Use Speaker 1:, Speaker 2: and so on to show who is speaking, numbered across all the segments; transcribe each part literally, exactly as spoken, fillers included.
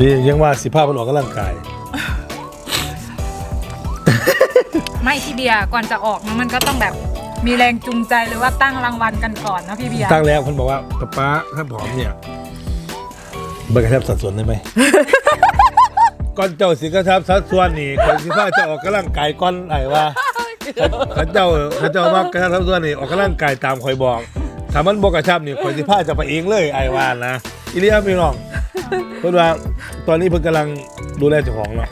Speaker 1: นี่ยังว่าสิภาพมันออกกำลังกาย
Speaker 2: ไม่พี่เบียร์ก่อนจะออกมันก็ต้องแบบมีแรงจูงใจหรือว่าตั้งรางวัลกันก่อนนะพี่เบียร์
Speaker 1: ตั้งแล้วคนบอกว่าป๊าป๊าถ้าผอมเนี่ยเบิกกระชับสัดส่วนได้ไหม ก่อนเจ้าสิกระชับสัดส่วนนี่คนสิพาจะออกกำลังกายก่อนไหนว่าเขาเจ้าเขาเจ้าว่ากระชับสัดส่วนนี่ออกกำลังกายตามคอยบอกถ้ามันบอกกระชับนี่คนสิพาจะไปเองเลยไอ้วานนะอีเลียพี่น้องเพื่อนว่าตอนนี้เพิ่งกำลังดูแลเจ้าของเนาะ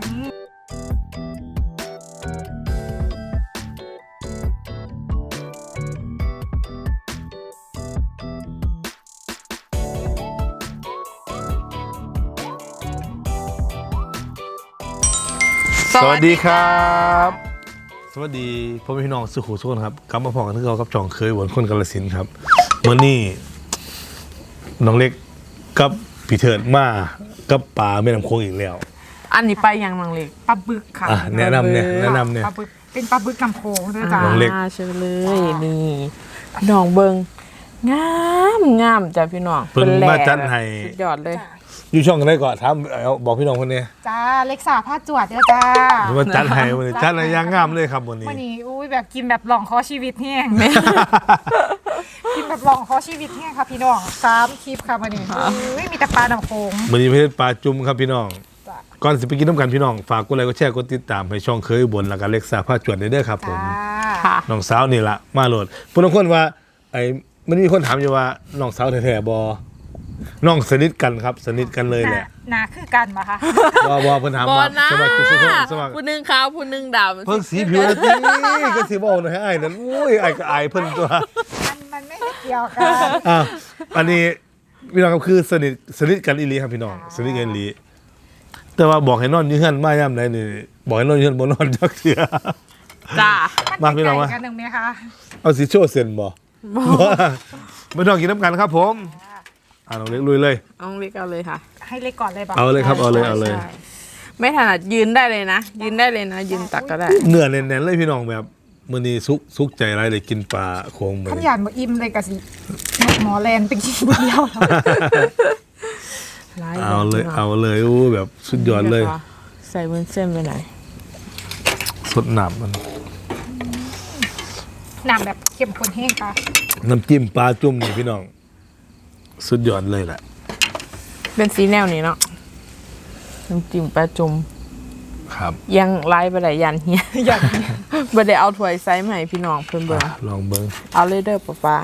Speaker 1: สวัสดีครับสวัสดีพ่อแม่พี่น้องสุขุมสุขครับกลับมาพอกันที่เรากับจ่องเคยหวนคนกาฬสินธุ์ครับเมื่อนี้น้องเล็กกับพี่เถิดมากับป่าแม่น้ำโขงอีกแล้ว
Speaker 3: อันนี้ไปยังน้องเล็ก
Speaker 2: ปลาบึกค่ะ
Speaker 1: แนะนำเนี่ยแนะนำเนี่ย
Speaker 2: ปลาบึกเป็นปลาบึกกำโขงด้วยจ้า
Speaker 1: น้องเล็ก
Speaker 3: เชิญเลยนี่น้องเบิงงามงามจ้ะพี่น้อง
Speaker 1: เพิ่นมาจัดให้
Speaker 3: สุดยอดเลย
Speaker 1: อยู่ช่องกันได้ก่อนถามบอกพี่น้องคนนี้
Speaker 2: จ้าเล็กสาผ้าจวดเนี่ยจ้า
Speaker 1: มาจัดให้วันนี้จัดอะไรย่างงามเลยครับวันนี้
Speaker 2: วันนี้อุ้ยแบบกินแบบหลองคอชีวิตแห้งกินแบบหลองคอชีวิตแห้งค่ะพี่น้องสามคลิปค่ะวันนี้ไม่มีแต่ปลาดำโขง
Speaker 1: วันนี้ไม่ใช่ปลาจุ่มครับพี่น้องก่อนสิไปกินน้ำกันพี่น้องฝากกดไลค์กดแชร์กดติดตามให้ช่องเคยบนแล้วก็เล็กสาผ้าจวดได้เด้อครับผมน้องสาวนี่ละมาโหลดผู้น้องคนว่าไอ้มันมีคนถามอยู่ว่าน้องสาวแท้ๆบอน้องสนิทกันครับสนิทกันเลยแหละ
Speaker 2: นาคือกันปะคะ
Speaker 1: บอบอเพิ่นถามว่าสมัครสมัครสมัคร
Speaker 3: ผู้นึงขาวผู้นึงดำ
Speaker 1: เพิ่งสีผิวแล้วนี่ก็สีบอกหน่อยให้ไอ้นั่นอุ้ยไอ้ก็ไอ้เพิ่นตัว
Speaker 2: มันมันไม่เกี่ยวกัน
Speaker 1: อ่ะอันนี้พี่น้องครับคือสนิทสนิทกันอีหลีครับพี่น้องสนิทกันอีหลีแต่ว่าบอกให้นอนยืนมาย่ำไหนนี่บอกให้นอนยืนบนนอนจักเถื่อ
Speaker 3: จ้า
Speaker 1: มาพี่น้องมา
Speaker 2: กันหนึ่งไหมคะ
Speaker 1: เอาสีโชว์เซนบ่ไม่ต้องกินน้ำกันครับผมอ่าน้องเล็กลุยเลย
Speaker 3: น้องเล็กเอาเลยค่ะ
Speaker 2: ให้เล็กก่อนเลยบอก
Speaker 1: เอาเลยครับเอาเลยเอาเลย
Speaker 3: ไม่ถนัดยืนได้เลยนะยืนได้เลยนะยืนตักก็ได้
Speaker 1: เนื้อแน่นๆเลยพี่น้องแบบมื้อนี้ซุกซุกใจไรเลยกินปลาโขง
Speaker 2: มื้อนี้ขยันบ่อิ่มเลยกะสิหมอแลนเป็นกินเดียว
Speaker 1: เอาเลยเอาเลยอู้แบบสุดยอดเลย
Speaker 3: ใส่วุ้นเส้นไปไหน
Speaker 1: สดน้ำมัน
Speaker 2: น้ำแบบเข้มข้นแห้งปลา
Speaker 1: น้ำจิ้มปลาจุ่มนี่พี่น้องสุดยอดเลยแหละ
Speaker 3: เป็นสีแนวนี้เนาะน้ำจิ้มปลาจุ่ม
Speaker 1: ครับ
Speaker 3: ยังไล่ไปไหนยันเฮียยันบ่ได้เอาถ้วยไซส์ใหม่พี่น้องเพิ่นเบิ่ง
Speaker 1: ลองเบิ่ง
Speaker 3: เอาเลยเด้อป้าป้า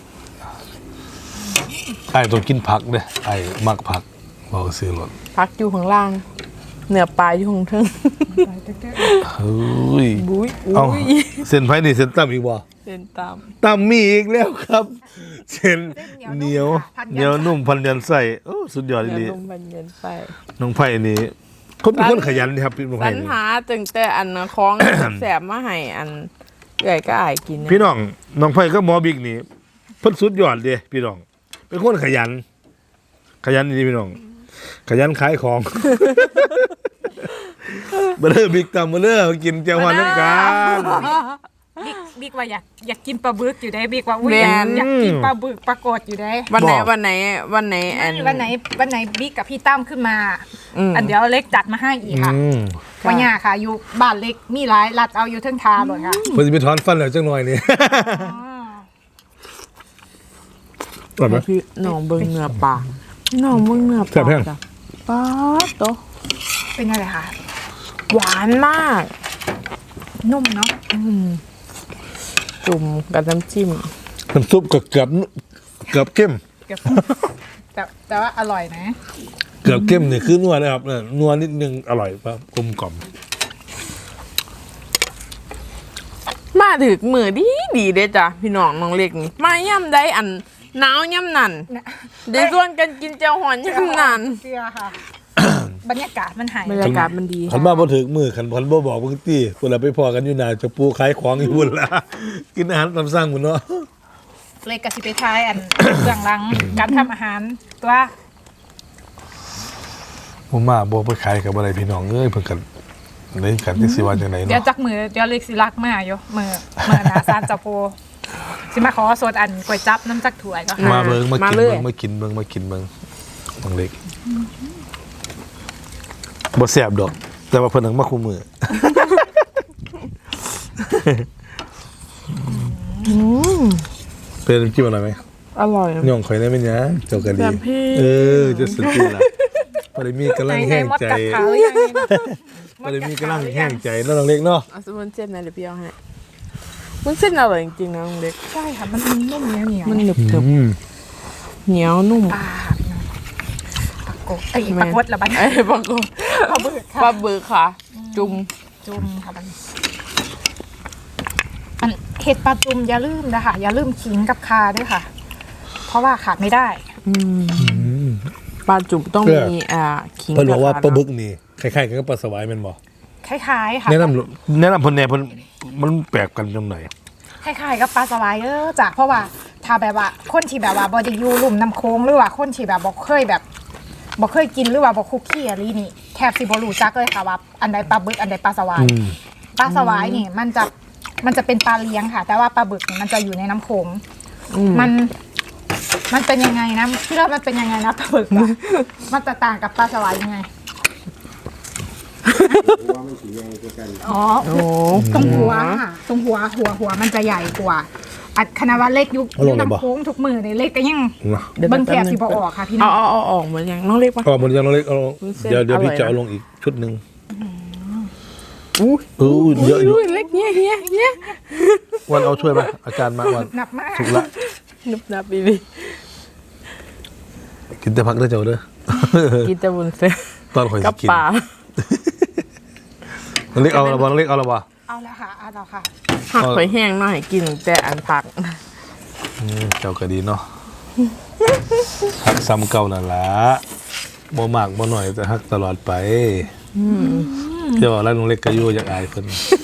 Speaker 1: ไอ้ต้องกินผักเด้อไอ้มักผักบ่ซื้อรถ
Speaker 3: ผักอยู่ข้างล่างเนื้อปลาอยู่ข้างทึ่ง
Speaker 1: เฮ้ย
Speaker 3: บุ้ย
Speaker 1: เอ้าเส้นไผนี่เส้นตั้มอีกบ่
Speaker 3: เส้นตั้ม
Speaker 1: ตั้มมีอีกแล้วครับเส้นเหนียวเหนียวนุ่มพันยันไส้โอ้สุดยอดเลย
Speaker 3: นุ่มพันยันไส้
Speaker 1: น้องไผ่นี่คนเป็นคนขยันครับพี่น้องไผ่
Speaker 3: ปัญหาตึงแต่อันของแสบมาให้อันใหญ่ก็อายกิน
Speaker 1: พี่น้องน้องไผ่ก็หมอบิ๊กนี่เพิ่นสุดยอดเด้พี่น้องเป็นคนขยันขยันดีพี่น้องขยันขายของเบลอบิ๊กตามเบลอกินเจียวฮอนน้ำกัน
Speaker 2: บิ๊กบิ๊กว่าอยากอยากกินปลาบึกอยู่ได้บิ๊กว่าอุ้ยอยากกินปลาบึกปลากดอยู่ได้
Speaker 3: วันไหนวันไหนวันไหนอัน
Speaker 2: วันไหนวันไหนบิ๊กกับพี่ตั้มขึ้นมาอันเดี๋ยวเล็กจัดมาให้อีกค่ะวันนี้ค่ะอยู่บ้านเล็กมีหลายรัดเอาอยู่ทั้งทาเลยค่ะ
Speaker 1: เพิ่นสิไปถอนฟันแล้วจังหน่อยนี่
Speaker 3: ตอนพี่น้องเบิ่งเนื้อปลาน้องเบิ่งเนื้อปลาจ้ะปลาโต
Speaker 2: เป็นอะไรคะ
Speaker 3: หวานมาก
Speaker 2: นุ่มเนาะ
Speaker 3: จุ่มกับน้ำจิ้ม
Speaker 1: น้ำซุปเกือบเกือบเกือบเข้ม
Speaker 2: แต่แต่ว่าอร่อยนะ
Speaker 1: เกือบเข้มเนี่ยคือนัวนะครับนัวนิดนึงอร่อยครับกลมกล่อม
Speaker 3: มาถึงมือดีดีเด้จ้ะพี่น้องน้องเล็กนี่มาย่ำได้อันหนาวย่ำนั่นเดี๋ยวชวนกันกินเจียวหอนย่ำนั่น
Speaker 2: เชื่อค่ะบรรยากาศมันหาย
Speaker 3: บรรยากาศมันดี
Speaker 1: ขันมาพอถึงมือขันพันบ่บอกเพิ่งตีคนละไปพอกันอยู่นาจะปูขายของอยู่บุญละกินอาหารตามสั่งหมดเนาะ
Speaker 2: เล็กกับสิไปทายอันเบื้องหลังการทำอาหารตัว
Speaker 1: ผมมาบ่ไปขายกับอะไรพี่น้องเอ้ยเพิ่งกันเลยกันที่สิว่าจังไหนเนาะ
Speaker 2: เดี๋ยวจักมือเดี๋ยวเล็กสิรักมาอยู่มือมือนาซานจับโพสิมาขอโซดอันก๋วยจั๊บน้ำจักถั่วก็
Speaker 1: มาเบิ่งมากินเบิ่งมากินเบิ่งมากินเบิ่งน้องเล็กบ่แซ่บดอก แต่ว่าเพิ่นนังมาคู่มือเป็นน้ำจิ้มอร่อยไหม
Speaker 3: อร่อย
Speaker 1: ย่องข่อยได้ไหมเนี่ยเจ้ากันดี
Speaker 3: แบบพี่
Speaker 1: เออจะสุดที่ละพอได้มีกำลังแห้งใจ
Speaker 2: ไหนๆมดกัดขาหรือยังนี่นะ
Speaker 1: พอได้มีกำลังแห้งใจเนาะน้องเล็กเนาะ
Speaker 3: เอาสมุนเส้นนะเดี๋ยวพี่เอาให้มันเส้นอร่อยจริงๆนะน้องเล็ก
Speaker 2: ใช่ค่ะมันนุ่มเหนียวเหนียว
Speaker 3: มันหนึบหนึบ
Speaker 1: อืม
Speaker 3: เหนียวนุ่ม
Speaker 2: ปลาปลากบไอ้ยปลากดละบัน
Speaker 3: ไอ้ปลาบึก
Speaker 2: ปลาบึก
Speaker 3: ป
Speaker 2: ค่ะ
Speaker 3: ลาบึกค่ะ จุ่ม
Speaker 2: จุ่มค่ะบันอันเห็ดปลาจุ่มอย่าลืมนะคะอย่าลืมขิงกับคาด้วยค่ะ เพราะว่าขาดไม่ได้
Speaker 3: อืม
Speaker 1: อืม
Speaker 3: ปลาจุ่มต้องมีอ่าขิง
Speaker 1: เพิ่นบอกว่า
Speaker 3: ระ
Speaker 1: ปลา
Speaker 3: ทะ
Speaker 1: บึกนี่คล้ายๆกันกับปลาสวายแม่นบ่
Speaker 2: คล้ายๆค่ะ
Speaker 1: แนะนำแนะนำเพิ่นแหน่เพิ่นมันแปลกกันจังได๋
Speaker 2: คล้ายๆกับปลาสวายเออจ้ะเพราะว่าถ้าแบบว่าคนที่แบบว่าบอดี้ยูลุ่มน้ำโค้งหรือว่าคนที่แบบบอกเคยแบบบอกเคยกินหรือว่าบอกคุกกี้อะไรนี่แทบสิบรู้จักเลยค่ะว่าอันใดปลาบึกอันใดปลาสวาย
Speaker 1: อืม
Speaker 2: ปลาสวายนี่มันจะมันจะเป็นปลาเลี้ยงค่ะ แต่ว่าปลาบึกนี่มันจะอยู่ในน้ำโขง
Speaker 3: อืม
Speaker 2: มันมันเป็นยังไงนะพี่เรามันเป็นยังไงนะปลาบึกอะมันจะต่างกับปลาสวายยังไงอ๋อ
Speaker 3: โอ้
Speaker 2: ตรงหัวค่ะตรงหัวหัวหัวมันจะใหญ่กว่าอัดคณะว่าเล็กยุค
Speaker 1: เอาลงเลยบ่
Speaker 2: น้ำโค้งทุกมือในเล็กก็ยัง
Speaker 1: เนาะ
Speaker 3: ดี๋ยว
Speaker 2: เบิ้ง
Speaker 3: ป๊
Speaker 2: แถบ
Speaker 3: นึ
Speaker 2: สิบออกค่ะพี่น้
Speaker 3: เอา
Speaker 2: อง
Speaker 3: เอาเอาออกเหมือนอย่างน้องเล็กปะ
Speaker 1: อ๋อมันยังน้องเล็กเอาลง
Speaker 3: วุ้นเส้น
Speaker 1: เดี๋ยวเดี๋ยวพี่
Speaker 3: อร่อย
Speaker 1: จะเอา
Speaker 3: นะ
Speaker 1: ลงอีกชุดหนึง
Speaker 3: อู้
Speaker 1: เออเยอะอยู่
Speaker 3: ยเล็กเนี้ยเนี้ยเนี้ย
Speaker 1: วันเอาช่วยป่ะอาจารย์มาวัน
Speaker 2: หนักมาก
Speaker 1: ถูกละ
Speaker 3: นึบนับอีดี
Speaker 1: กินแต่พักได้อเจ้าเด้อ
Speaker 3: กินแต่บุญเส้น
Speaker 1: ตอนข่อย
Speaker 3: กั
Speaker 1: สิ
Speaker 3: บ
Speaker 1: กิน
Speaker 3: ปลา
Speaker 1: น้องเล็กเอาละบ่น้องเล็กเอาละบ่
Speaker 2: เอาละค่ะเอาละค่ะ
Speaker 3: ผักหอยแห้งหน่อยกินแต่อันผัก
Speaker 1: อืมเจ้าก็ดีเนาะฮักซ้ำเก่านั่นล่ะบ่มากบ่น้อยแต่ฮักตลอดไปเจ้าว่าแล้วน้องเล็กก็อยู่อยากอายเพิ่น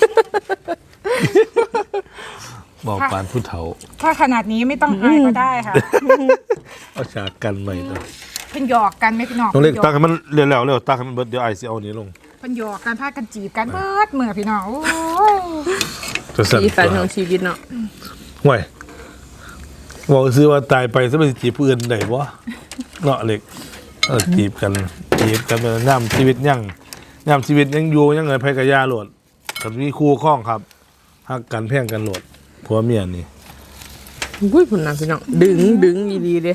Speaker 1: บอกปานผู้เฒ่า
Speaker 2: ถ้าขนาดนี้ไม่ต้องอายก็ได้ค่ะ
Speaker 1: เอาฉากกันใหม่ตัว
Speaker 2: เพิ่นหยอกกันไหมพี่น้อง
Speaker 1: น้องเล็กตัก
Speaker 2: พิ่
Speaker 1: ให้มันเร็วๆเร็วตักให้มันเบิดเดี๋ยวไอสิเอานี้ลง
Speaker 2: เพิ่นหยอกกันพากันจีบกันเบิดมือพี่น้องโอ้ย
Speaker 1: จะสั่น
Speaker 3: สีสันของชีวิตเนาะ
Speaker 1: ห่วยบอกซื้อว่าตายไปซะไปสิจีบผู้อื่นได้บ่เนาะเล็กเออจีบกันจีบกันเป็นย่ำชีวิตยังย่ำชีวิตยังอยู่ยังเงินไผกะยาโหลดกับมีคู่ข้องครับฮักกันแพ่งกันโหลดผัวเมียนี่
Speaker 3: อุ้ยผุนนะพี่น้องดึงดึงดีๆเลย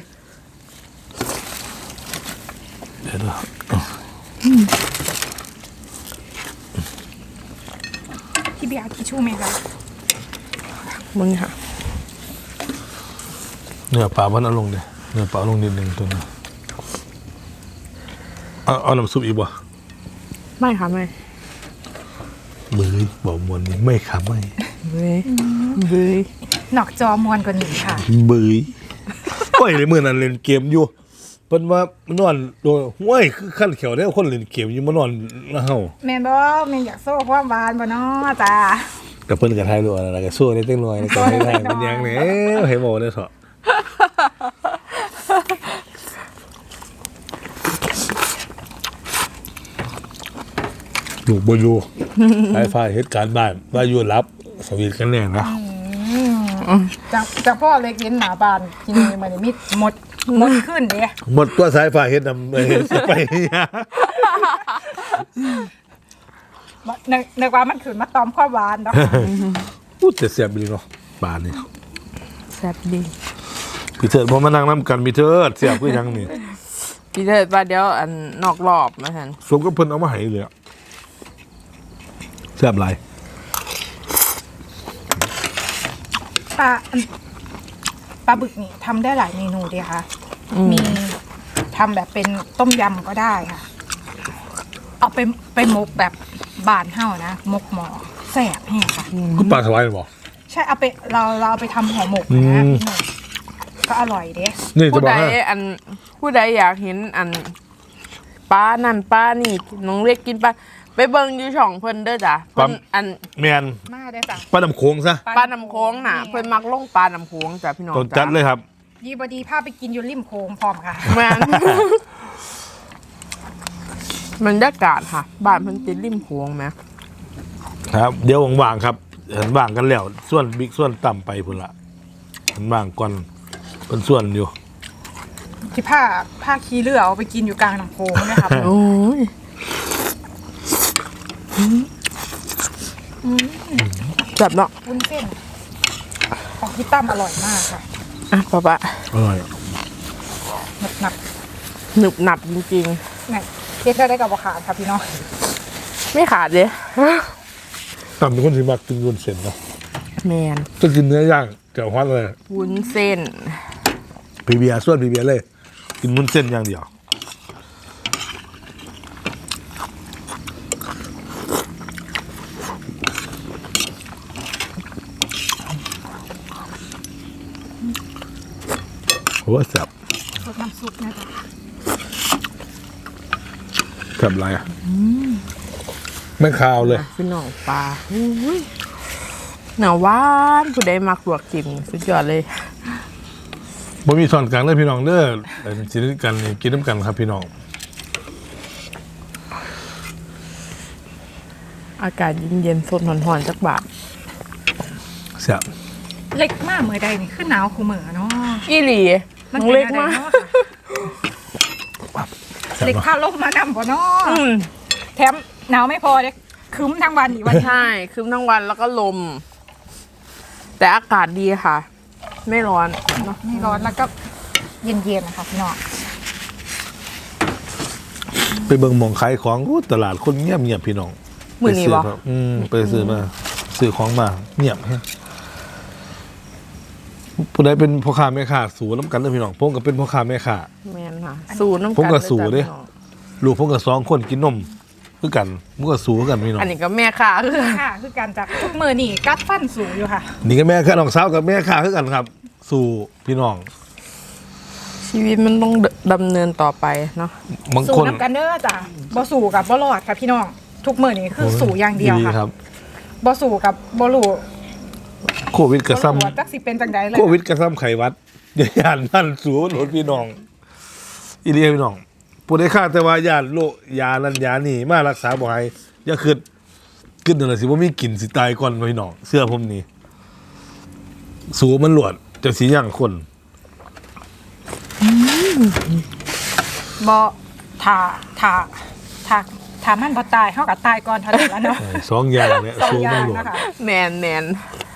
Speaker 1: เดี๋ยวดู
Speaker 2: พี่เบียร์ทิชชู่ไหมคะ
Speaker 3: มึงค่ะ
Speaker 1: เนื้อปลามันเอาลงเด้เนื้อปลาเอาลงนิดนึงตัวนึงเอาเอาน้ำซุปอีกบ่
Speaker 3: ไม่ค่ะไม่
Speaker 1: มือบอกมวนนี่ไม่ค่ะไม่
Speaker 3: เว้ยเว้ย
Speaker 2: นอกจอมวนกว่านี้ค่ะ
Speaker 1: บืยโอ้ยในมือนั้นเล่นเกมอยู่เพิ่นว่านอนโดนห้วยคือขั้นเขียวได้คนเล่นเกมอยู่มานอนแล้วเฮา
Speaker 2: แม่นบ่แม่นอยากโซ่ความหวานบ่เนาะจ้า
Speaker 1: กับเพิ่นก็ทายรู้อะไรก็สู้ได้จังหน่อยก็ให้ได้มันยังแหน่ให้บอกได้เถาะอยู่บ่อยู่ไฟฟ้าเหตุการณ์บ้านว่าอยู่รับสวีทกันแน่นะ
Speaker 2: จากจากพ่อเล็กเห็นหน้าบ้านที่นี่มันมีหมดหมดขึ้นเด้
Speaker 1: หมดตัวสายฟ้าเฮ็ดนำเฮ็ดไปเนี่ย
Speaker 2: บ่นึกนึกว่ามันขึ้นมาตอมความหวานเนาะ
Speaker 1: พูดแต่เสียบดีเนาะป่านนี่
Speaker 3: แซ่บดี
Speaker 1: พี่เถิดบ่มานั่งนำกันพี่เถิดเสียบคือหยังนี่
Speaker 3: พี่เถิดว่าเดี๋ยวอันนอกรอบมาทัน
Speaker 1: สมกับเพิ่นเอามาให้เลยอะเสียบหลาย
Speaker 2: ปลาปลาบึกนี่ทำได้หลายเมนูดีค่ะ มีทำแบบเป็นต้มยำก็ได้ค่ะ เอาไปไปมกแบบบานเห่านะมกหมอแสบแห้งค่ะ
Speaker 1: ก็ปลาสวายบ่
Speaker 2: ใช่เอาไปเราเราเอาไปทำห่อหมก
Speaker 1: อื
Speaker 2: นะ
Speaker 1: ม
Speaker 2: พี่หนุ่มก็อร่อยเด้
Speaker 1: นี่จะ
Speaker 3: ผู้
Speaker 1: บอ
Speaker 3: ใด
Speaker 1: กให้
Speaker 3: อันผู้ใดอยากเห็นอันป้านั่นป้านี่น้องเล็กกินปลาไปเบิ่งอยู่ช่องเพิ่นเด้อจ้ะเพิ่นอัน
Speaker 1: แม่น
Speaker 2: มาได้จ้ะ
Speaker 1: ปลาน้ำโขงซะ
Speaker 3: ปลาน้ำโค้งน่ะเพิ่นมักลงปลาน้ำโค้งจ้ะพี่น้อง
Speaker 1: ต้องจัดเลยครับ
Speaker 2: ยีบดีพาไปกินอยู่ริมโค้งพร้อมค่ะ
Speaker 3: แม่น บรรยากาศค่ะ บ้านเพิ่นติดริมโค้งไหม
Speaker 1: ครับ เดี๋ยวว่างๆครับเห็นว่างกันแล้ว ส่วนบิ๊กส่วนต่ำไปพุ่นละเห็นว่างก่อนเป็นส่วนอยู่
Speaker 2: ที่ผ้าผ้าขี้เรือเอาไปกินอยู่กลางน้ำโค้งนะครับ
Speaker 3: โอ้ยจับเนาะ
Speaker 2: วุ้นเส้นของพี่ตั้มอร่อยมากค่ะ
Speaker 3: อ่ะป๊าป๊า
Speaker 1: อร่อย
Speaker 2: หนักหนัก
Speaker 3: หนึบหนับจริง
Speaker 2: ๆเนี่ยเทียบได้กับราคาค่ะพี่น้อง
Speaker 3: ๆไม่ขาดเลย
Speaker 1: ตำเป็นคนที่มักกินวุ้นเส้นเนาะ
Speaker 3: แมน
Speaker 1: จะกินเนื้อย่างแจ่วฮอตเลย
Speaker 3: วุ้นเส้น
Speaker 1: พีเบียร์ส่วนพีเบียร์เลย กินวุ้นเส้นอย่างเดียวโอ้แซ่บ
Speaker 2: สดน้ำซุปนะจ๊ะ
Speaker 1: แซ่บอะไรอ่ะไม่คาวเลย
Speaker 3: พี่น้องปลาอุ้ยหนาหวานผู้ใดมักลวกจิ้มสุดยอดเลย
Speaker 1: บ่มีส่วนกลางเลยพี่น้องเด้อแต่กินด้วยกันนี่กินน้ำกันครับพี่น้อง
Speaker 3: อากาศเย็นๆสดหอนๆจักบาท
Speaker 1: แซ่บ
Speaker 2: เล็กมากเมื่อใดนี่ขึ้นหนาวคูเหมือเนาะ
Speaker 3: อีหลี
Speaker 2: มัน
Speaker 3: น้อง
Speaker 2: ป็น
Speaker 3: เล็ก
Speaker 2: อะไร
Speaker 3: มาก
Speaker 2: เนาะค่ะ
Speaker 1: แซ่บ
Speaker 2: เล็ก
Speaker 1: เนาะ
Speaker 2: พาลมมานำบ่เนาะ
Speaker 3: อืม
Speaker 2: แถมหนาวไม่พอเด็กคืมทั้งวันอีกวัน
Speaker 3: ใช่คืมทั้งวันแล้วก็ลม แต่อากาศดีค่ะ ไม่ร้อนเนาะ
Speaker 2: ไม่ร้อนแล้วก็เย็นๆนะคะพี่น้อง
Speaker 1: ไปเบิ่งหมองขายของอู้ตลาดคนเงียบเงียบพี่น้อง
Speaker 3: มือนี้
Speaker 1: ไปซื้
Speaker 3: บ่
Speaker 1: ครับอืมไปซื้อมาซื้อของมาเงียบฮะผู้ใดเป็นพ่อค้าแม่ค้าสู่น้ำกันเด้อพี่น้องผมก็เป็นพ่อค้าแม่ค้า
Speaker 3: แมนค่ะ สูน้ำกัน
Speaker 1: ผมก็สูเด้
Speaker 3: ลยจ้ะพี่น้อง
Speaker 1: ลูกผมก็สองคนกินนมคือกันมันก็สู่คือกันพี่น้อง
Speaker 3: อันนี้ก็แม่ค่ะคือ
Speaker 2: ค่ะคือการจากทุกมือนี่กัดฟันสูงอยู่ค่ะ
Speaker 1: นี่ก็แม่ค้าน้องสาวกับแม่ค้าคือกันครับ สู่พี่น้อง
Speaker 3: ชีวิตมันต้องดำเนินต่อไปเนาะ
Speaker 1: บาง
Speaker 2: สู
Speaker 1: คน
Speaker 2: น้ำกันเด้อจ้ะบ่สูกับบ่รอดค่ะพี่น้องทุกมือนี่คือสูอย่างเดียว
Speaker 1: ดี
Speaker 2: ค่ะ
Speaker 1: ครับ
Speaker 2: บ่สูกับบ่รู้
Speaker 1: โควิดกระ
Speaker 2: บ่
Speaker 1: ซ้
Speaker 2: รู้ว่าจักสิเป็นจังใดเลย
Speaker 1: ำโควิดกระซ้ำไขหวัดเดี๋ยวย่านนั่นสู่หลดพี่น้องอีเลียพี่น้องผู้ใดฆ่าแต่ว่าย่านโรคยานันยานี่มารักษาบ่หายอย่าคิดคิดนั่นแหละสิว่ามีกลิ่นสิตายก่อนพี่น้องเสื้อผมนี่สู่มันหลวดจะสีย่างคน
Speaker 2: บ่ถ้าถ้าถ้าถ้ามันบ่ตายเฮาก็ตายก่อนเท่านั้นแล้วเนาะ
Speaker 1: เออสองอย่างเนี่ย
Speaker 2: สอง
Speaker 1: สู้
Speaker 2: อย่า
Speaker 1: ไม่
Speaker 2: ง
Speaker 1: หลวด
Speaker 2: นะคะ
Speaker 3: แมนแมน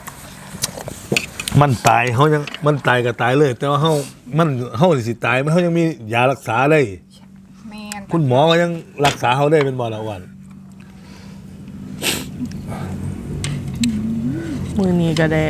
Speaker 1: มันตายเขายังมันตายก็ตายเลย แต่ว่าเขามันเขาสิตายมันเขายังมียารักษาได้
Speaker 2: แม่น
Speaker 1: คุณหมอก็ยังรักษาเขาได้เป็นบอละวัน
Speaker 3: มือนี้ก็ได้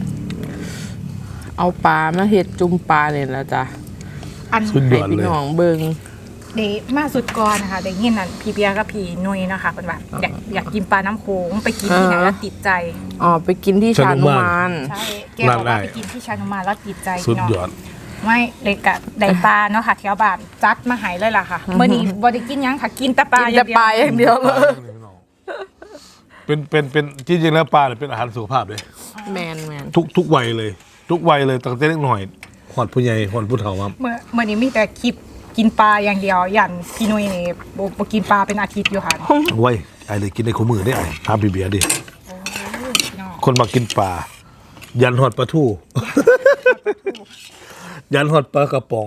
Speaker 3: เอาปลามาเห็ดจุ่มปลาเนี่ยแหละจ้ะ
Speaker 2: อัน
Speaker 1: สุดย
Speaker 3: ให้
Speaker 1: อด
Speaker 3: พี่
Speaker 1: เลย
Speaker 3: น้องเบิง
Speaker 2: เดมาสุดก่อนนะคะได้ยินนั่นพี่เบียร์กับพี่นุ้ยนะคะเพิ่นว่าอยากอยากกินปลาน้ำโขงไปกินที่ไหนแล้วติดใจ
Speaker 3: อ๋อไปกินที่ชานุมาน
Speaker 2: ใช่แกบอกว่าไปกินที่ชานุมานแล้วติดใจ
Speaker 1: สุด
Speaker 2: พี่น้อง
Speaker 1: ยอด
Speaker 2: ไม่เลยกะได้ปลาเนาะค่ะแถวบ้านจัดมาใหายเลยล่ะค่ะเมื่อนี้บ่ได้กินหยังค่ะกินแต่ปลา
Speaker 3: กินแต่ปลาอย่างเดียวเลย
Speaker 1: เป็นเป็นเป็นจริงๆแล้วปลาเนี่ยเป็นอาหารสุขภาพเลย
Speaker 3: แมนแมน
Speaker 1: ทุกทุกวัยเลย ทุกวัยเลยตั้งแต่เล็กหน่อยหอดผู้ใหญ่หอดผู้เฒ่าครับ
Speaker 2: เมื่อเมื่อนี้มีแต่คลิปกินปลาอย่างเดียวยันพี่นุ้ยนี่บ่บ่กินปลาเป็นอาทิตย์อยู่ค่ะ
Speaker 1: ไว้ไอ้เลยกินในขมือได้ไอ้ทามพี่เบียร์ดิ
Speaker 2: พี่น้อง
Speaker 1: คนมากินปลายันหอดปลาทู่ ยันหอดปลากระป๋อง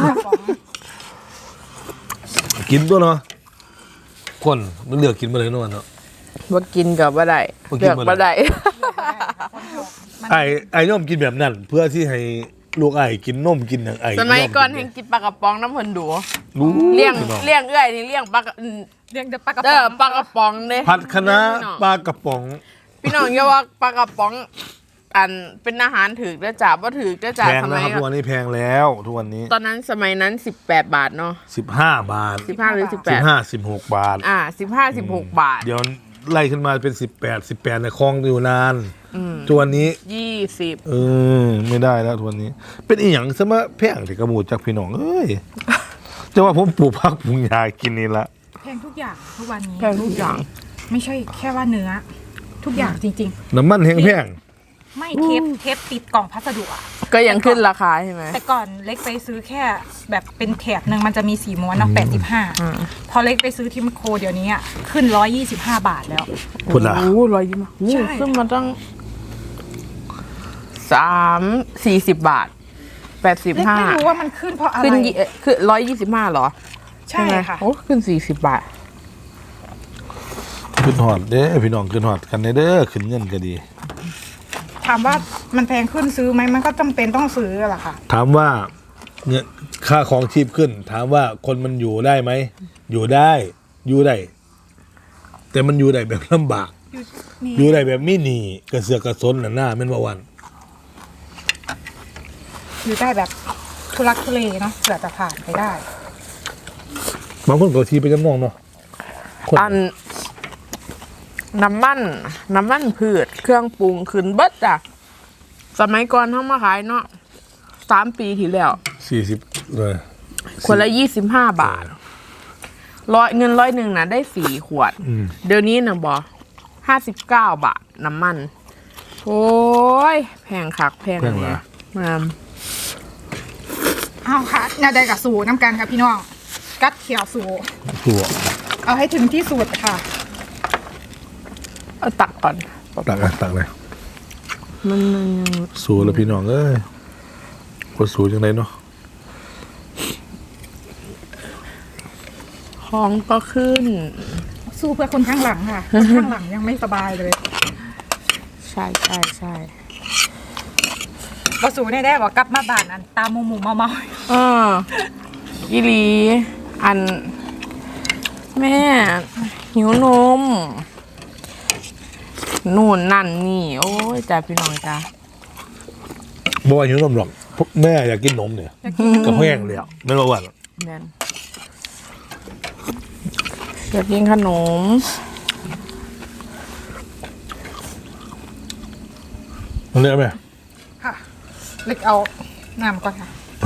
Speaker 1: กินตัวเนาะคนมันเลือกกินมาเลยเนอะเนาะ
Speaker 3: ว่ากินกับว่าได้
Speaker 1: บ่กิน
Speaker 3: เลือก
Speaker 1: บ่ได้
Speaker 3: ว่าได้
Speaker 1: ไอ้ไอ้ย่อมกินแบบนั้น เพื่อที่ให้ลูกไอ้กินนมกินอย่างไอ้
Speaker 3: สมัยก่อน
Speaker 1: ย่
Speaker 3: แห่งกินปลากระป๋องน้ำเพิ่นดู
Speaker 1: รู้
Speaker 3: เลี้ยง
Speaker 1: พี่น้อง
Speaker 3: เลี้ยงเอื้อยนี่เลี้ยงปลากระอืม
Speaker 2: เรียกแต่ปลากระ
Speaker 3: เด้
Speaker 2: ป๋
Speaker 3: อ
Speaker 2: อง
Speaker 3: ปลากระป๋องเด้
Speaker 1: ผัดคะน้า
Speaker 3: พี่น้อง
Speaker 1: ปลากระป๋อง
Speaker 3: พี่น้องอย่าว่าปลากระป๋องอันเป็นอาหารถือได้อจ้าบ่ถือได้อจ้า
Speaker 1: แพง
Speaker 3: ส
Speaker 1: นะ
Speaker 3: มัย
Speaker 1: ครับทุกวันนี้แพงแล้วทุกวันนี้
Speaker 3: ตอนนั้นสมัยนั้นสิบแปดบาทเนาะ
Speaker 1: สิบห้าบาท
Speaker 3: สิบห้าหรือสิบแป
Speaker 1: สิ
Speaker 3: ด
Speaker 1: บห้าสิบหกบาท
Speaker 3: อ่าสิบห้าสิบหกบาท
Speaker 1: เดี๋ยวไล่ขึ้นมาเป็นสิบแปดสิบแปดในคลองอยู่นาน
Speaker 3: อืม
Speaker 1: ทุกวันนี้
Speaker 3: ยี่สิบ
Speaker 1: เออไม่ได้แล้วทุกวันนี้ เป็นอีหยังซะมาแพงที่กระหมูจากพี่น้องเอ้ยจะว่าผมปลูกผักปลูกยากินนี่ละ
Speaker 2: แพงทุกอย่างทุกวันนี้
Speaker 3: แพงทุกอย่าง
Speaker 2: ไม่ใช่แค่ว่าเนื้อ ทุกอย่างจริง
Speaker 1: น้ำมันแห้งแพง
Speaker 2: ๆ ไม่เทปเทปติดกล่องพัสดุอะ
Speaker 3: ก็ยังขึ้นราคาใช่ไหม
Speaker 2: แต่ก่อนเล็กไปซื้อแค่แบบเป็นแถบหนึ่งมันจะมีสีม้วนเนาะแปดสิบห้า
Speaker 3: อ่า
Speaker 2: พอเล็กไปซื้อที่แมคโครเดี๋ยวนี้อะขึ้นร้อยยี่สิบห้าบาทแล้ว
Speaker 1: คุณล่ะ
Speaker 3: โอ้โหร้อยยี่สิบ
Speaker 2: ใช่
Speaker 3: โอ้ขึ้นมาตั้งสามสี่สิบบาทแปดสิบ
Speaker 2: เล็ก
Speaker 3: ห้า
Speaker 2: ไม่รู้ว่ามันขึ้นเพราะอะไร
Speaker 3: ขึ้นยี่เอ่อคือร้อยยี่สิบห้าเหรอ
Speaker 2: ใช่
Speaker 3: ไหม
Speaker 2: ค่ะ
Speaker 3: โอ้ขึ้นสี่สิบบาท
Speaker 1: ขึ้นหอดเด้อพี่น้องขึ้นหอดกันเด้อขึ้นเงินก็ดี
Speaker 2: ถามว่ามันแพงขึ้นซื้อไหมมันก็จำเป็นต้องซื้อแหละค่ะ
Speaker 1: ถามว่าเงินค่าของชีพขึ้น ถามว่าคนมันอยู่ได้ไหมอยู่ได้อยู่ได้แต่มันอยู่ได้แบบลำบาก
Speaker 2: นี่
Speaker 1: อยู่ได้แบบไม่หนีกระเสือกกระสนหน้าหน้าแม่นบ่วัน
Speaker 2: อยู่ได้แบบทุลักทุเลเนาะเผื่อจะผ่านไปได้
Speaker 1: บางคนก็ทีไปจำนองเนาะคน
Speaker 3: อันน้ำมันน้ำมันพืชเครื่องปรุงขึ้นเบิดจ้ะสมัยก่อนเขามาขายเนาะสามปีที่แล้ว
Speaker 1: สี่สิบเลย
Speaker 3: คนละยี่สิบห้าบาทร้อยเงินร้อยหนึ่งนะได้สี่ขวด
Speaker 1: อืม
Speaker 3: เดี๋ยวนี้นะบอห้าสิบเก้าบาทน้ำมัน โอ้ย แพงคักแพง
Speaker 1: แพง
Speaker 3: เล
Speaker 1: เหร
Speaker 3: ย
Speaker 1: อ
Speaker 3: มาม
Speaker 2: เอาค่ะนาได้กับสูน้ำกันค่ะพี่น้องกัดเขียวสู
Speaker 1: ตัว
Speaker 2: เอาให้ถึงที่สุดค่ะ
Speaker 3: เอาตักก่อน
Speaker 1: ตักเลยตักเลย
Speaker 3: มันมันยัง
Speaker 1: สู้แล้วพี่น้องเอ้ยว่าสู้จังไดเนาะ
Speaker 3: ท้องก็ขึ้น
Speaker 2: สู้เพื่อคนข้างหลังค่ะ คนข้างหลังยังไม่สบายเลย
Speaker 3: ใช่ใช่ใช่
Speaker 2: ก็สูได้ได้บอกกลับมาบ้านอันตามหมูหมูเมาเมา
Speaker 3: เอออีหลี อัน แม่ หิวนมนู่นนั่นนี่ โอ้ยจ้าพี่น้องจ้า
Speaker 1: บ่ว่าหิวนมหรอกพวกแม่อยากกินนมเนี่ยก็แห้งเลยอ่ะไม่รู้ว่า
Speaker 3: แน่นอยากกินขนม
Speaker 1: มันเรียกไหม
Speaker 2: ค่ะเล็กเอาน้ำก่อนค่ะ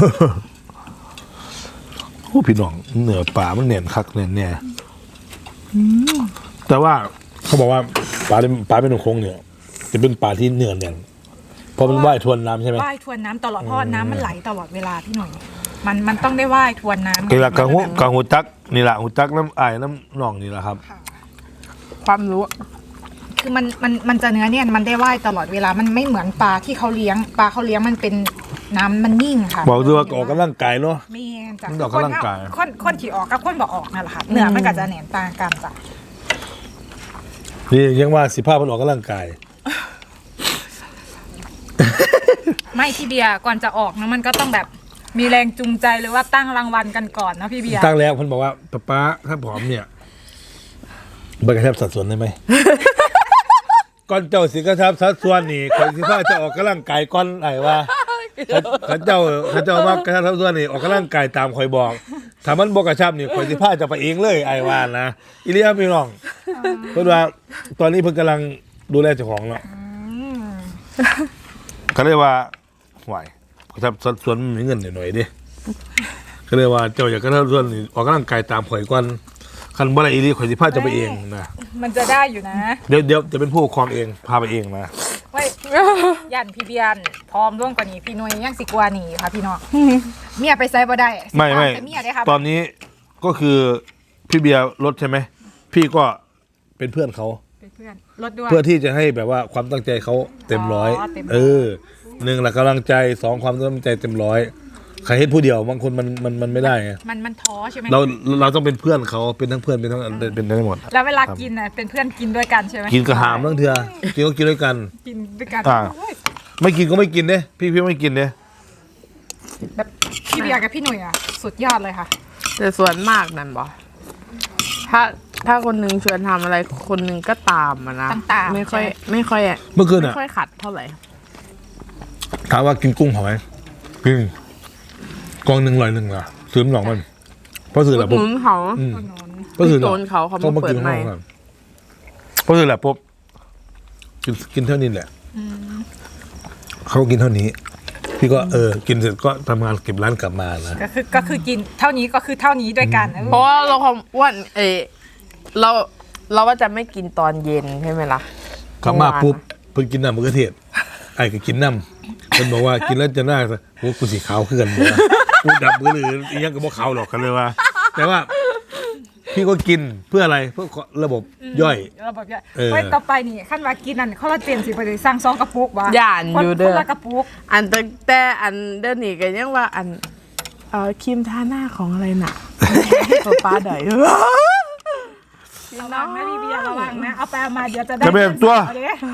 Speaker 1: โอ้พี่น้องเหนือป่ามันเนียนคักเนียนแน่แต่ว่าเขาบอกว่าปลาเป็นปลาเป็นหนุ่มคงเนี่ยจะเป็นปลาที่เนื้อเนียนเพราะมันว่ายทวนน้ำใช่ไหม
Speaker 2: ว่ายทวนน้ำตลอดเพราะว่าน้ำมันไหลตลอดเวลาพี่หน่อย มันมันต้องได้ว่ายทวนน้ำ
Speaker 1: เวลากางหูกางหูจักนี่แหละหูจักน้ำไอ้ายน้ำหนองนี่แหละครับ
Speaker 2: ค่ะ
Speaker 3: ความรู้
Speaker 2: คือมันมันมันจะเนื้อเนี่ยมันได้ว่ายตลอดเวลามันไม่เหมือนปลาที่เขาเลี้ยงปลาเขาเลี้ยงมันเป็นน้ำมันนิ่งค่ะ
Speaker 1: บอกด้วยว่าออกกำลังกายเนาะ
Speaker 2: ไม่จ้ะ
Speaker 1: มันออกกำลังกาย
Speaker 2: คนคนขี่ออกกับคนบอกออกนั่นแหละค่ะเนื้อมันก็จะแหนมต่างกันจ้ะ
Speaker 1: นี่ยังว่าสิภาพมันออกกำลังกาย
Speaker 2: ไม่พี่เบียร์ก่อนจะออกนะมันก็ต้องแบบมีแรงจูงใจหรือว่าตั้งรางวัลกันก่อนนะพี่เบียร์
Speaker 1: ตั้งแล้วเพิ่นบอกว่าป๊าป๊าถ้าผอมเนี่ยเบิกกระชับสัดส่วนได้ไหม ก่อนเจ้าสิกระชับสัดส่วนนี่คนสิพาจะออกกำลังกายก่อนไอ้ว่าเขาเจ้าเขาเจ้ามากระชับสัดส่วนนี่ออกกำลังกายตามคอยบอกถ้ามันบ่กระชับนี่คนสิพาจะไปเองเลยไอ้ว่านะอีเลียพี่น้องเพิ่นว่าตอนนี้เพิ่นกำลังดูแลเจ้าของเนาะ
Speaker 2: อืม
Speaker 1: เขาเรียกว่าไหวกระชับสัดส่วนมันมีเงินหน่อยๆดิเขาเรียกว่าเจ้าอยากกระชับสัดส่วนนี่ออกกำลังกายตามข่อยก่อนคันบ่ได้อีหลีข่อยสิพาจะไปเองนะ
Speaker 2: มันจะได้อยู่นะ
Speaker 1: เดี๋ยวเดี๋ยวจะเป็นผู้ปกครองเองพาไปเองนะ
Speaker 2: เว้ยยันพี่เบียร์พร้อมร่วมกว่านี้พี่นุ้ยยังสิกว่านี้ค่ะพี่น้องเมียไปไซบ่ได้
Speaker 1: ไม่ไม่
Speaker 2: แต่เมียได้ค่ะ
Speaker 1: ตอนนี้ก็คือพี่เบียร์รถใช่ไหมพี่ก็เป็นเพื่อนเขา
Speaker 2: เป็นเพื่อนรถด้วย
Speaker 1: เพื่อที่จะให้แบบว่าความตั้งใจเขาเต็มร้อย
Speaker 2: อ๋อเต็มร้อย
Speaker 1: เออหนึ่งหลักกำลังใจสองความตั้งใจเต็มร้อยใครเห็นผู้เดียวบางคนมันมันมันไม่ได้ไง
Speaker 2: มันมันท้อใช่ไหม
Speaker 1: เราเราต้องเป็นเพื่อนเขาเป็นทั้งเพื่อนเป็นทั้งเป็นได้หมด
Speaker 2: แล้วเวลากินน่ะเป็นเพื่อนกินด้วยกันใช่ไหม
Speaker 1: กินกระหามทั้งเถื่อกินก็กินด้วยกัน
Speaker 2: กินด้วยกัน
Speaker 1: อ่า
Speaker 2: โอ้ย
Speaker 1: ไม่กินก็ไม่กินเด้พี่พี่ไม่กินเด้
Speaker 2: แบบพี่เบียร์กับพี่หนุ่ยอ่ะสุดยอดเลยค่ะ
Speaker 3: แต่ส่วนมากนั่นบอถ้าถ้าคนหนึงชวนทำอะไรคนหนึงก็ตามอะนะ
Speaker 2: ตามตาม
Speaker 3: ไม่ค่อย
Speaker 2: ใช่
Speaker 3: ไม่ค่อยอะ
Speaker 1: เมื่อคืน
Speaker 3: ไม่
Speaker 1: อ่ะ
Speaker 3: ค่อยขัดเท่าไหร่
Speaker 1: ถามว่ากินกุ้งเผาไหมกินกองหนึ่งร้อยหนึ่งอ่ะซื้อมันหนองมันเพราะซื้อแหละ
Speaker 3: ห
Speaker 1: ปุ๊บ
Speaker 3: นุนเขา
Speaker 1: อืม
Speaker 2: คนนอน
Speaker 1: เพราะซื้อแหละ
Speaker 3: โดนเขาเขามาเปิดใหม่
Speaker 1: ก่อนเพราะซื้อแหละปุ๊บกินกินเท่านี้แหละเขากินเท่านี้ พี่ก็เออ กินเสร็จก็ทำงานเก็บร้านกลับมานะ
Speaker 2: ก็คือก็คือกินเท่านี้ก็คือเท่านี้ด้วยกันเออ
Speaker 3: เพราะว่าเราความอ้วนเออเราเราว่าจะไม่กินตอนเย็นใช่ไหมล่ะ
Speaker 1: กลับมาปุ๊บเพิ่งกินน้ำมะเขือเทศไอ้ก็กินน้ำมันบอกว่ากินแล้วจะหน้าโอ้กูสีขาวขึ้นกันหมดกูดำมือหรืออีกยังก็บ่ขาวหรอกกันเลยว่า แต่ว่า พี่ก็กินเพื่ออะไรเพื่อระบบย่อย
Speaker 2: เราแบบว่า
Speaker 1: เออ
Speaker 2: ไว้ต่อไปนี่ขั้นว่ากินนั่นคอลลาเจนสิไปเลยสร้างซองกระปุกวะ
Speaker 3: ย่านอยู่เด้อ
Speaker 2: คนละกระปุก
Speaker 3: อันแต่แต่อันเดินนี่ก็ยังว่าอันเอ่อครีมทาหน้าของอะไรน่ะ ตัวป้าดอย
Speaker 2: ระวังนะพี่เบียร์ระวังนะเอาไปเอามาเดี๋ยวจะได้
Speaker 1: จะเป็นตัว
Speaker 2: เอาเด้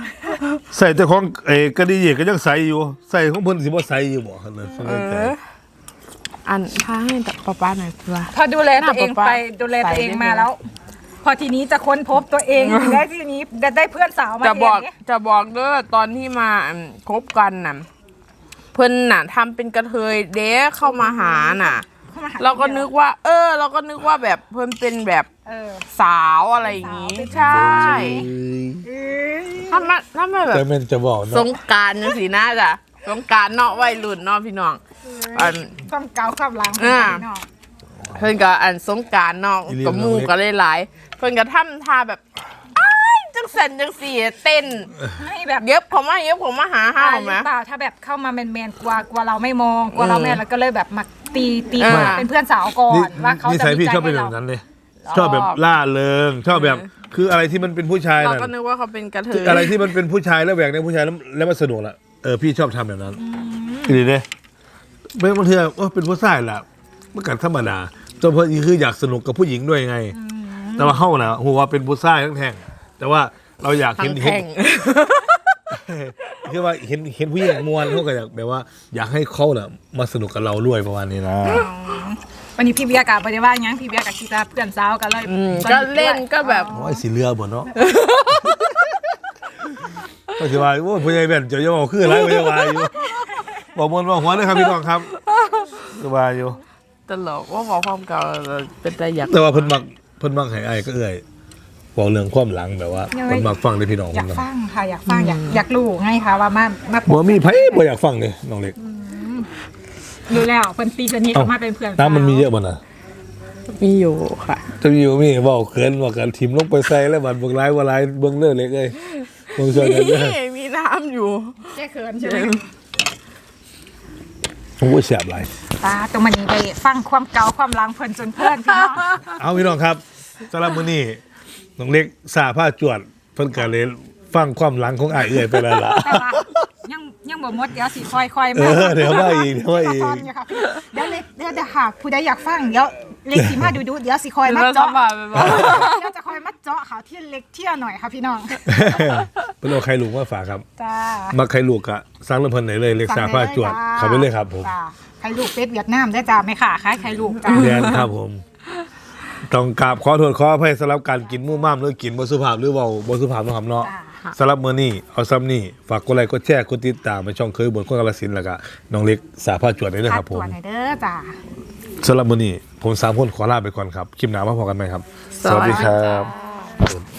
Speaker 1: ใส่แต่ของเอกระดีเอกก็ยังใส่อยู่ใส่ของเพิ่นสิบ่ใส่อยู่บ่ครับนั่น
Speaker 3: เออ อันพาให้ป้าป้าหน่อยว่า
Speaker 2: พอดูแลตัวเอง
Speaker 3: หน้าป๊า
Speaker 2: ไป
Speaker 3: ป๊า
Speaker 2: ดูแลตัวเอง
Speaker 3: ใส่ได้
Speaker 2: มา
Speaker 3: ไหม
Speaker 2: แล้ว พอทีนี้จะค้นพบตัวเองได้ทีนี้ได้ได้เพื่อนสาวมา
Speaker 3: จะ
Speaker 2: เอง
Speaker 3: บอก
Speaker 2: เนี่ย
Speaker 3: จะบอกเด้อตอนที่มาอืมคบกันน่ะเพิ่นน่ะทำเป็นกระเทยเด้เข้ามาหาน่ะ
Speaker 2: เข้มห
Speaker 3: เราก็นึกว่า เออ เราก็นึกว่าแบบเพิ่นเป็นแบบ
Speaker 2: เออ
Speaker 3: สาวอะไรอย่างงี้
Speaker 2: เป็นสาว
Speaker 3: ใช่
Speaker 2: เอ้ย
Speaker 3: ถ้ามาถ้ามาแบบ
Speaker 1: แต่แม่นจะบอก
Speaker 3: ส
Speaker 1: เนาะ
Speaker 3: งกรารจังสีน่าจ้ะสงกรารเนาะวัยรุ่นเนาะพี่น้องอัน
Speaker 2: ความเก่าความหลัง
Speaker 3: อ่า
Speaker 2: เนาะ
Speaker 3: เพิ่นก็อันสงกรารเนาะกับหมู่ก็หลายๆเพิ่นก็ทำท่าแบบอ้ายจังสันจังสีเต้น
Speaker 2: ให้แบบ
Speaker 3: เย็บเขามาเย็บเขามาหาห้า
Speaker 2: อ่าว ห
Speaker 3: ไหม
Speaker 2: รือเปล่าถ้าแบบเข้ามาแมนๆกลัวกลัวเราไม่มองกลัวเราแมนแล้วก็เลยแบบมาตีตี
Speaker 3: อ่า
Speaker 2: เป็นเพื่อนสาวก่อ
Speaker 1: นี่
Speaker 2: นว่าเขา
Speaker 1: นิ
Speaker 2: จะ
Speaker 1: สัย
Speaker 2: มี
Speaker 1: พี่
Speaker 2: ใจ
Speaker 1: ชอบเป็น
Speaker 2: ให้
Speaker 1: แบ
Speaker 2: เรา
Speaker 1: บนั้นเลยชอบแบบล่าเริงชอบแบบคืออะไรที่มันเป็นผู้ชาย
Speaker 3: เรา
Speaker 1: น่ะ
Speaker 3: ก็นึกว่าเขาเป็นกระเทย
Speaker 1: อะไรที่มันเป็นผู้ชายแล้วแหวกในผู้ชายแล้วแล้วมันสนุกละเออพี่ชอบทำแบบนั้นดีเลยไม่บางทีว่าเป็นผู้ชายล่ะเมื่อกันธรรมดาจนเพื่อนคืออยากสนุกกับผู้หญิงด้วยไง แต่ว่าเข้านะหัวเป็นผู้ชายทั้งแท่งแต่ว่าเราอยาก
Speaker 3: ทั้
Speaker 1: เห็
Speaker 3: ง
Speaker 1: นเห็น
Speaker 3: แท่ง
Speaker 1: คือว่าเห็นเห็นผู้หญิงมวนเขาก็อยากแบบว่า อยากให้เขาน่ะมาสนุกกับเราด้วยประมาณนี้นะ
Speaker 2: วันนี้พี่เบียร์กับปฏิว่าหยังพี่เบียร์กับกีตาร์เพื่อนสาวกันเลย
Speaker 3: อืมก็เล่นก็แบบ
Speaker 1: โอ้ยสีเรือบ่เนาะ ก็สิว่าโอ้ยผู้ใหญ่แม่นเจะยังบอกคืออะไรผู้ใหญ่วายอยู่บอกมวนบอกหัวเลยครับพี่น้องครับสบายอยู่
Speaker 3: ตลกว่าบอกความเก่าเป็นใจอยาก
Speaker 1: แต่ว่าเพิ่นมักเพิ่นมักให้อ้ายก็เอื้อยบอกเรื่องความหลังแบบว่าเพิ่นมักฟังเลยพี่น้อง
Speaker 2: อ
Speaker 1: เพิ่
Speaker 2: ยาก
Speaker 1: นนะ
Speaker 2: ฟังค่ะอยากฟังอยากอยากรู้ไงคะว่ามามา
Speaker 1: บ่มีไผบ่อยากฟังเลยน้องเล็ก
Speaker 2: รู้แล้วเพิ่นตีสนิทออกมาเป็นเพื่อนสาว
Speaker 1: น้ำมันมีเยอะบ่น่ะ
Speaker 3: มีอยู่ค่ะ
Speaker 1: จะมีอยู่มีเว้าเขินว่ากันทิ่มลงไปใส่แล้วบัดเบิ่งหลายว่าหลายเบิ่งเด้อเล็กเอ้ยเบิ่งช่วยกันเด้อ
Speaker 3: มีมีน้ำอยู่
Speaker 2: แก้เขินใช่ไหม
Speaker 1: โอ้ยแซ่บหลาย
Speaker 2: ตาตรงมันนี้ไปฟังความเก่าความหลังเพิ่นจนเพื่อนพี่น้อง
Speaker 1: เอาพี่น้องครับสำหรับมื้อนี้น้องเล็กสาผ้าจวดเพิ่นก็เลยฟังความหลังของอ้ายเอื้อยไปแล้วล่ะ
Speaker 2: แต่ว่ายังยังบ่หมดเดี๋ยวสิค่อยๆ
Speaker 1: เอ
Speaker 2: มา
Speaker 1: อเดี๋ยวว่าอีกเดี๋ยวว่าอีก
Speaker 2: ตอนอยู่ค่ะเดี๋ยวเล็กเดี๋ยวเดี๋ยวหากผู้ใดอยากฟังเดี๋ยวเล็กสิมาดูดูเดี๋ยวสิคอยมา
Speaker 3: แล้วส
Speaker 2: เจาะ
Speaker 3: บายไปบอก
Speaker 2: เดี๋ยวจะคอยมาเจาะเขาที่เล็กเที่ยวหน่อยค่ะพี่น้อง
Speaker 1: เพิ่นเอาไข่ลูกมาฝากครับ
Speaker 2: จ้า
Speaker 1: มาไข่ลูกอะสร้างเรื่องเพิ่นไหนเลยเล็กสาผ้าจวดเข้าไปเลยครับผม
Speaker 2: จ้าไข่ลูกเป็ดเวียดนามได้จ้าไม่ค่ะคล้ายไข่ลูกจ้า
Speaker 1: เรียนครับผม ต้องกราบขอโทษขออภัยสำหรับการกินมู่ม่ามหรือกินบ่สุภาพหรือเว้าบ่สุภาพเนาะครับเนาะ
Speaker 2: จ้า
Speaker 1: สำหรับมื้อนี้เอาซ้ำนี่ฝากกดไลค์กดแชร์กดติดตามไปช่องเคยบนคนกาฬสินธุ์แล้วก็น้องเล็กสาผ้าจวดได้เลยครับผม
Speaker 2: ตัวไหนอยเด้อจ้า
Speaker 1: สำหรับมื้อนี้ผมสามคนขอลาไปก่อนครับคลิปหน้ามาพบกันใหม่ครับ สวัสดีครับ